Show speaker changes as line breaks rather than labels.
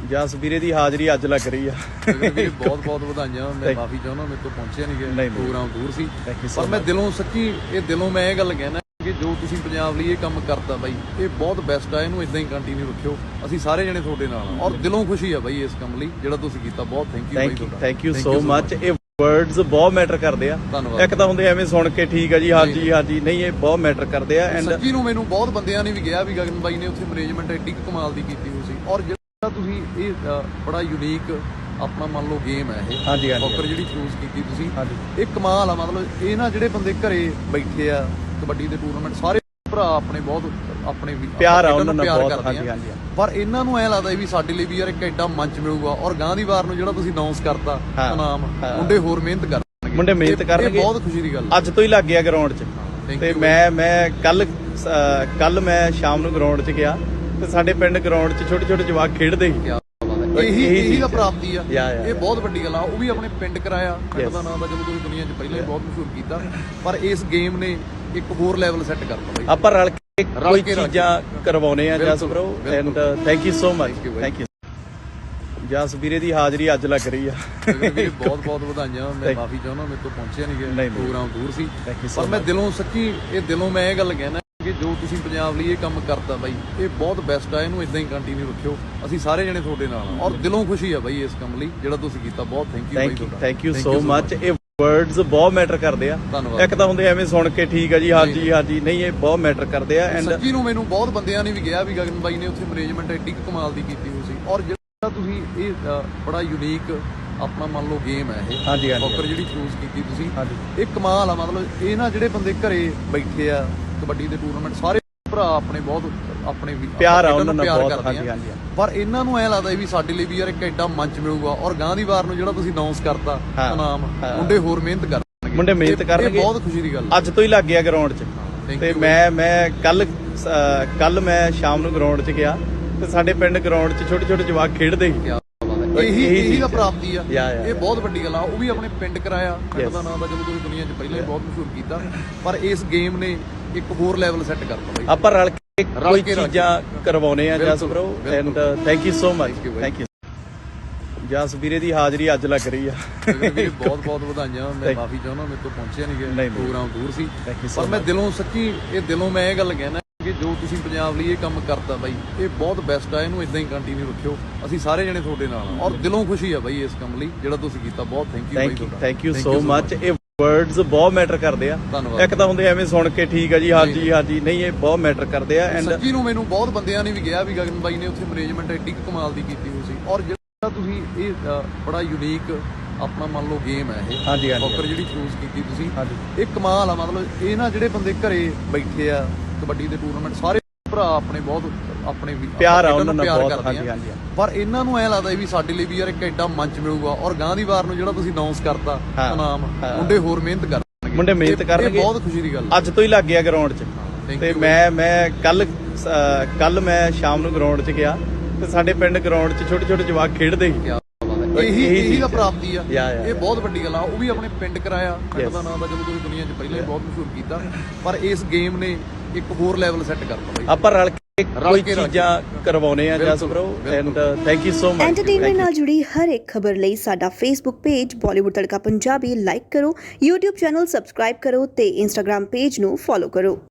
ਜਸ ਵੀਰੇ ਦੀ ਹਾਜ਼ਰੀ ਅੱਜ ਲੱਗ ਰਹੀ ਆ।
ਬਹੁਤ ਬਹੁਤ ਵਧਾਈਆਂ। ਮੈਂ ਮਾਫੀ ਚਾਹੁੰਦਾ ਮੇਰੇ ਤੋਂ ਪਹੁੰਚਿਆ ਨਹੀਂ, ਪ੍ਰੋਗਰਾਮ ਦੂਰ ਸੀ, ਪਰ ਮੈਂ ਦਿਲੋਂ ਸੱਚੀ ਦਿਲੋਂ ਮੈਂ ਇਹ ਗੱਲ ਕਹਿਣਾ ਕਿ ਜੋ ਤੁਸੀਂ ਪੰਜਾਬ ਲਈ ਇਹ ਕੰਮ ਕਰਤਾ ਬਾਈ, ਇਹ ਬਹੁਤ ਬੈਸਟ ਆ। ਇਹਨੂੰ ਇਦਾਂ ਹੀ ਕੰਟੀਨਿਊ ਰੱਖਿਓ, ਅਸੀਂ ਸਾਰੇ ਜਣੇ ਤੁਹਾਡੇ ਨਾਲ ਆ ਔਰ ਦਿਲੋਂ ਖੁਸ਼ੀ ਆ ਬਾਈ ਇਸ ਕੰਮ ਲਈ ਜਿਹੜਾ ਤੁਸੀਂ ਕੀਤਾ। ਬਹੁਤ ਥੈਂਕ ਯੂ ਬਾਈ ਤੁਹਾਡਾ।
Thank you so much. ਇਹ ਵਰਡਸ ਬਹੁਤ ਮੈਟਰ ਕਰਦੇ ਆ।
ਧੰਨਵਾਦ।
ਇੱਕ ਤਾਂ ਹੁੰਦੇ ਐਵੇਂ ਸੁਣ ਕੇ ਠੀਕ ਆ ਜੀ, ਹਾਂਜੀ ਹਾਂਜੀ, ਨਹੀਂ ਇਹ ਬਹੁਤ ਮੈਟਰ ਕਰਦੇ ਆ। ਐਂਡ
ਸੱਚੀ ਨੂੰ ਮੈਨੂੰ ਬਹੁਤ ਬੰਦਿਆਂ ਨੇ ਵੀ ਕਿਹਾ ਵੀ ਗਗਨ ਬਾਈ ਨੇ ਉੱਥੇ ਮੈਨੇਜਮੈਂਟ ਐਡੀ ਕਮਾਲ ਦੀ ਕੀਤੀ ਹੋਈ ਸੀ ਔਰ ਜਿਹੜਾ ਤੁਸੀਂ ਇਹ ਬੜਾ ਯੂਨੀਕ ਆਪਣਾ ਮੰਨ ਲਓ ਗੇਮ ਹੈ ਇਹ।
ਹਾਂਜੀ ਹਾਂਜੀ
ਸੌਕਰ ਜਿਹੜੀ ਚੂਜ਼ ਕੀਤੀ ਤੁਸੀਂ, ਇਹ ਕਮਾਲ ਆ। ਮਤਲਬ ਇਹ ਨਾ ਜਿਹੜੇ ਬੰਦੇ ਘਰੇ ਬੈਠੇ ਆ ਕਬੱਡੀ ਦੇ ਟੂਰਨਾਮੈਂਟ, ਸਾਰੇ ਭਰਾ ਆਪਣੇ ਬਹੁਤ ਆਪਣੇ
ਪਿਆਰ ਆ ਉਹਨਾਂ ਨਾਲ ਬਹੁਤ।
ਕਰਦੇ
ਹਾਂਜੀ ਹਾਂਜੀ,
ਪਰ ਇਹਨਾਂ ਨੂੰ ਐ ਲੱਗਦਾ ਵੀ ਸਾਡੇ ਲਈ ਵੀ ਯਾਰ ਇੱਕ ਐਡਾ ਮੰਚ ਮਿਲੂਗਾ ਔਰ ਗਾਂ ਦੀ ਵਾਰ ਨੂੰ ਜਿਹੜਾ ਤੁਸੀਂ ਅਨਾਉਂਸ ਕਰਤਾ ਨਾਮ, ਮੁੰਡੇ ਹੋਰ ਮਿਹਨਤ ਕਰਨਗੇ,
ਮੁੰਡੇ ਮਿਹਨਤ ਕਰਨਗੇ।
ਬਹੁਤ ਖੁਸ਼ੀ ਦੀ ਗੱਲ
ਅੱਜ ਤੋਂ ਹੀ ਲੱਗ ਗਿਆ ਗਰਾਊਂਡ 'ਚ। ਤੇ ਮੈਂ ਕੱਲ ਮੈਂ ਸ਼ਾਮ ਨੂੰ ਗਰਾਊਂਡ 'ਚ ਗਿਆ ਤੇ ਸਾਡੇ ਪਿੰਡ ਗਰਾਊਂਡ 'ਚ ਛੋਟੇ ਛੋਟੇ ਜਵਾਕ ਖੇਡਦੇ ਸੀ।
ਇਹੀ ਦਾ ਪ੍ਰਾਪਤੀ ਆ। ਇਹ ਬਹੁਤ ਵੱਡੀ ਗੱਲ ਆ। ਉਹ ਵੀ ਆਪਣੇ ਪਿੰਡ ਕਰਾਇਆ, ਪਿੰਡ ਦਾ ਨਾਮ ਤਾਂ ਜਦੋਂ ਤੁਸੀਂ ਦੁਨੀਆ 'ਚ ਪਹਿਲਾਂ ਹੀ ਬਹੁਤ ਮਸ਼ਹੂਰ ਕੀਤਾ, ਪਰ ਇਸ ਗੇਮ ਨੇ ਇੱਕ ਹੋਰ ਲੈਵਲ ਸੈੱਟ ਕਰਤਾ ਬਾਈ।
ਆਪਾਂ ਰਲ ਕੇ ਕੋਈ ਚੀਜ਼ਾਂ ਕਰਵਾਉਣੇ ਆ Jas bro. And thank you so much. Thank you. Jas ਵੀਰੇ ਦੀ ਹਾਜ਼ਰੀ ਅੱਜ ਲੱਗ ਰਹੀ ਆ।
ਬਹੁਤ ਬਹੁਤ ਵਧਾਈਆਂ। ਮੈਂ ਮਾਫੀ ਚਾਹੁੰਦਾ ਮੇਰੇ ਤੋਂ ਪਹੁੰਚਿਆ ਨਹੀਂ, ਪ੍ਰੋਗਰਾਮ ਦੂਰ ਸੀ, ਪਰ ਮੈਂ ਦਿਲੋਂ ਸੱਚੀ ਦਿਲੋਂ ਮੈਂ ਇਹ ਗੱਲ ਕਹਿਣਾ ਕਿ ਜੋ ਤੁਸੀਂ ਪੰਜਾਬ ਲਈ ਇਹ ਕੰਮ ਕਰਤਾ ਬਾਈ, ਇਹ ਬਹੁਤ ਬੈਸਟ ਆ। ਇਹਨੂੰ ਇਦਾਂ ਹੀ ਕੰਟੀਨਿਊ ਰੱਖਿਓ, ਅਸੀਂ ਸਾਰੇ ਜਣੇ ਤੁਹਾਡੇ ਨਾਲ ਆ ਔਰ ਦਿਲੋਂ ਖੁਸ਼ੀ ਆ ਬਾਈ ਇਸ ਕੰਮ ਲਈ ਜਿਹੜਾ ਤੁਸੀਂ ਕੀਤਾ। ਬਹੁਤ ਥੈਂਕ ਯੂ ਬਾਈ ਤੁਹਾਡਾ।
Thank you so much. ਇਹ ਵਰਡਸ ਬਹੁਤ ਮੈਟਰ ਕਰਦੇ ਆ।
ਧੰਨਵਾਦ।
ਇੱਕ ਤਾਂ ਹੁੰਦੇ ਐਵੇਂ ਸੁਣ ਕੇ ਠੀਕ ਆ ਜੀ, ਹਾਂਜੀ ਹਾਂਜੀ, ਨਹੀਂ ਇਹ ਬਹੁਤ ਮੈਟਰ ਕਰਦੇ ਆ। ਐਂਡ
ਸੱਚੀ ਨੂੰ ਮੈਨੂੰ ਬਹੁਤ ਬੰਦਿਆਂ ਨੇ ਵੀ ਕਿਹਾ ਵੀ ਗਗਨ ਬਾਈ ਨੇ ਉੱਥੇ ਮੈਨੇਜਮੈਂਟ ਐਡੀ ਕਮਾਲ ਦੀ ਕੀਤੀ ਹੋਈ ਸੀ ਔਰ ਜਿਹੜਾ ਤੁਸੀਂ ਇਹ ਬੜਾ ਯੂਨੀਕ ਆਪਣਾ ਮੰਨ ਲਓ ਗੇਮ ਹੈ ਇਹ।
ਹਾਂਜੀ ਹਾਂਜੀ,
ਸੌਕਰ ਜਿਹੜੀ ਚੂਜ਼ ਕੀਤੀ ਤੁਸੀਂ, ਇਹ ਕਮਾਲ ਆ। ਮਤਲਬ ਇਹ ਨਾ ਜਿਹੜੇ ਬੰਦੇ ਘਰੇ ਬੈਠੇ ਆ ਕਬੱਡੀ ਦੇ ਟੂਰਨਾਮੈਂਟ, ਸਾਰੇ ਭਰਾ ਆਪਣੇ ਬਹੁਤ ਆਪਣੇ
ਪਿਆਰ ਆ ਉਹਨਾਂ ਨਾਲ ਬਹੁਤ।
ਕਰਦੇ
ਹਾਂਜੀ ਹਾਂਜੀ,
ਪਰ ਇਹਨਾਂ ਨੂੰ ਐ ਲੱਗਦਾ ਵੀ ਸਾਡੇ ਲਈ ਵੀ ਯਾਰ ਇੱਕ ਐਡਾ ਮੰਚ ਮਿਲੂਗਾ ਔਰ ਗਾਂ ਦੀ ਵਾਰ ਨੂੰ ਜਿਹੜਾ ਤੁਸੀਂ ਅਨਾਉਂਸ ਕਰਤਾ ਨਾਮ, ਮੁੰਡੇ ਹੋਰ ਮਿਹਨਤ ਕਰਨਗੇ,
ਮੁੰਡੇ ਮਿਹਨਤ ਕਰਨਗੇ।
ਬਹੁਤ ਖੁਸ਼ੀ ਦੀ ਗੱਲ
ਅੱਜ ਤੋਂ ਹੀ ਲੱਗ ਗਿਆ ਗਰਾਊਂਡ 'ਚ। ਤੇ ਮੈਂ ਕੱਲ ਮੈਂ ਸ਼ਾਮ ਨੂੰ ਗਰਾਊਂਡ 'ਚ ਗਿਆ ਤੇ ਸਾਡੇ ਪਿੰਡ ਗਰਾਊਂਡ 'ਚ ਛੋਟੇ ਛੋਟੇ ਜਵਾਕ ਖੇਡਦੇ ਸੀ।
ਇਹੀ ਦਾ ਪ੍ਰਾਪਤੀ ਆ। ਇਹ ਬਹੁਤ ਵੱਡੀ ਗੱਲ ਆ। ਉਹ ਵੀ ਆਪਣੇ ਪਿੰਡ ਕਰਾਇਆ, ਪਿੰਡ ਦਾ ਨਾਮ ਤਾਂ ਜਦੋਂ ਤੁਸੀਂ ਦੁਨੀਆ 'ਚ ਪਹਿਲਾਂ ਹੀ ਬਹੁਤ ਮਸ਼ਹੂਰ ਕੀਤਾ, ਪਰ ਇਸ ਗੇਮ ਨੇ ਇੱਕ ਹੋਰ ਲੈਵਲ ਸੈੱਟ ਕਰਤਾ ਬਾਈ।
ਆਪਾਂ ਰਲ ਕੇ ਕੋਈ ਚੀਜ਼ਾਂ ਕਰਵਾਉਣੇ ਆ Jas bro. And thank you so much. Thank you. Jas ਵੀਰੇ ਦੀ ਹਾਜ਼ਰੀ ਅੱਜ ਲੱਗ ਰਹੀ ਆ।
ਬਹੁਤ ਬਹੁਤ ਵਧਾਈਆਂ। ਮੈਂ ਮਾਫੀ ਚਾਹੁੰਦਾ ਮੇਰੇ ਤੋਂ ਪਹੁੰਚਿਆ ਨਹੀਂ, ਪ੍ਰੋਗਰਾਮ ਦੂਰ ਸੀ, ਪਰ ਮੈਂ ਦਿਲੋਂ ਸੱਚੀ ਦਿਲੋਂ ਮੈਂ ਇਹ ਗੱਲ ਕਹਿਣਾ ਕਿ ਜੋ ਤੁਸੀਂ ਪੰਜਾਬ ਲਈ ਇਹ ਕੰਮ ਕਰਤਾ ਬਾਈ, ਇਹ ਬਹੁਤ ਬੈਸਟ ਆ। ਇਹਨੂੰ ਇਦਾਂ ਹੀ ਕੰਟੀਨਿਊ ਰੱਖਿਓ, ਅਸੀਂ ਸਾਰੇ ਜਣੇ ਤੁਹਾਡੇ ਨਾਲ ਆ ਔਰ ਦਿਲੋਂ ਖੁਸ਼ੀ ਆ ਬਾਈ ਇਸ ਕੰਮ ਲਈ ਜਿਹੜਾ ਤੁਸੀਂ ਕੀਤਾ। ਬਹੁਤ ਥੈਂਕ ਯੂ ਬਾਈ ਤੁਹਾਡਾ।
Thank you so much. ਇਹ ਵਰਡਸ ਬਹੁਤ ਮੈਟਰ ਕਰਦੇ ਆ।
ਧੰਨਵਾਦ।
ਇੱਕ ਤਾਂ ਹੁੰਦੇ ਐਵੇਂ ਸੁਣ ਕੇ ਠੀਕ ਆ ਜੀ, ਹਾਂਜੀ ਹਾਂਜੀ, ਨਹੀਂ ਇਹ ਬਹੁਤ ਮੈਟਰ ਕਰਦੇ ਆ। ਐਂਡ
ਸੱਚੀ ਨੂੰ ਮੈਨੂੰ ਬਹੁਤ ਬੰਦਿਆਂ ਨੇ ਵੀ ਕਿਹਾ ਵੀ ਗਗਨ ਬਾਈ ਨੇ ਉੱਥੇ ਮੈਨੇਜਮੈਂਟ ਐਡੀ ਕਮਾਲ ਦੀ ਕੀਤੀ ਹੋਈ ਸੀ ਔਰ ਜਿਹੜਾ ਤੁਸੀਂ ਇਹ ਬੜਾ ਯੂਨੀਕ ਆਪਣਾ ਮੰਨ ਲਓ ਗੇਮ ਹੈ ਇਹ।
ਹਾਂਜੀ ਹਾਂਜੀ,
ਸੌਕਰ ਜਿਹੜੀ ਚੂਜ਼ ਕੀਤੀ ਤੁਸੀਂ, ਇਹ ਕਮਾਲ ਆ। ਮਤਲਬ ਇਹ ਨਾ ਜਿਹੜੇ ਬੰਦੇ ਘਰੇ ਬੈਠੇ ਆ ਕਬੱਡੀ ਦੇ ਟੂਰਨਾਮੈਂਟ, ਸਾਰੇ ਭਰਾ ਆਪਣੇ ਬਹੁਤ ਆਪਣੇ
ਪਿਆਰ ਆ ਉਹਨਾਂ ਨਾਲ ਬਹੁਤ।
ਕਰਦੇ
ਹਾਂਜੀ ਹਾਂਜੀ,
ਪਰ ਇਹਨਾਂ ਨੂੰ ਐ ਲੱਗਦਾ ਵੀ ਸਾਡੇ ਲਈ ਵੀ ਯਾਰ ਇੱਕ ਐਡਾ ਮੰਚ ਮਿਲੂਗਾ ਔਰ ਗਾਂ ਦੀ ਵਾਰ ਨੂੰ ਜਿਹੜਾ ਤੁਸੀਂ ਅਨਾਉਂਸ ਕਰਤਾ ਨਾਮ, ਮੁੰਡੇ ਹੋਰ ਮਿਹਨਤ ਕਰਨਗੇ,
ਮੁੰਡੇ ਮਿਹਨਤ ਕਰਨਗੇ।
ਬਹੁਤ ਖੁਸ਼ੀ ਦੀ ਗੱਲ।
ਅੱਜ ਤੋਂ ਹੀ ਲੱਗ ਗਿਆ ਗਰਾਊਂਡ 'ਚ। ਤੇ ਮੈਂ ਕੱਲ ਮੈਂ ਸ਼ਾਮ ਨੂੰ ਗਰਾਊਂਡ 'ਚ ਗਿਆ ਤੇ ਸਾਡੇ ਪਿੰਡ ਗਰਾਊਂਡ 'ਚ ਛੋਟੇ ਛੋਟੇ ਜਵਾਕ ਖੇਡਦੇ ਸੀ।
ਇਹੀ ਦਾ ਪ੍ਰਾਪਤੀ ਆ। ਇਹ ਬਹੁਤ ਵੱਡੀ ਗੱਲ ਆ। ਉਹ ਵੀ ਆਪਣੇ ਪਿੰਡ ਕਰਾਇਆ, ਪਿੰਡ ਦਾ ਨਾਮ ਤਾਂ ਜਦੋਂ ਤੁਸੀਂ ਦੁਨੀਆ 'ਚ ਪਹਿਲਾਂ ਹੀ ਬਹੁਤ ਮਸ਼ਹੂਰ ਕੀਤਾ, ਪਰ ਇਸ ਗੇਮ ਨੇ ਇੱਕ ਹੋਰ ਲੈਵਲ ਸੈੱਟ ਕਰਤਾ ਬਾਈ।
ਆਪਾਂ ਰਲ ਕੇ ਕੋਈ ਚੀਜ਼ਾਂ ਕਰਵਾਉਣੇ ਆ Jas bro. And thank you so much.
Entertainment ਨਾਲ ਜੁੜੀ ਹਰ ਇੱਕ ਖਬਰ ਲਈ ਸਾਡਾ Facebook page Bollywood Tadka Punjabi like ਕਰੋ, YouTube ਚੈਨਲ ਸਬਸਕ੍ਰਾਈਬ ਕਰੋ ਤੇ Instagram ਪੇਜ ਨੂੰ ਫੋਲੋ ਕਰੋ।